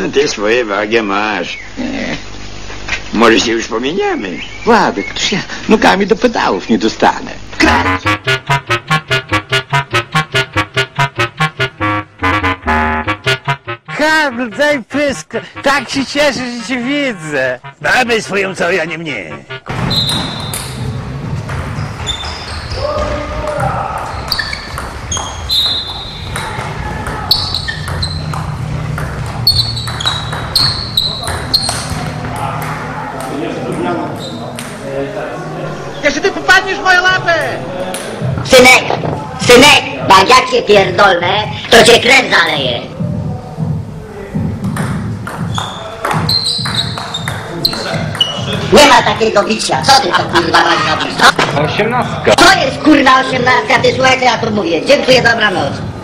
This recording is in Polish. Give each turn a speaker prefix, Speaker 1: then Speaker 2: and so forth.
Speaker 1: Ty swoje wagę masz. Może się już pomieniamy.
Speaker 2: Władek, toż ja nogami do pedałów nie dostanę. Kręć!
Speaker 3: Karl, daj pysk! Tak się cieszę, że cię widzę!
Speaker 4: Babę swoją cały, a nie mnie.
Speaker 3: Jeszcze ty popadniesz w moją lapę!
Speaker 5: Synek, jak ja cię pierdolę, to cię krew zaleje. Nie ma takiego bicia, co ty to kurwa robisz, co?
Speaker 6: 18.
Speaker 5: To jest kurwa 18, ty słuchaj co ja tu mówię, dziękuję, dobranoc.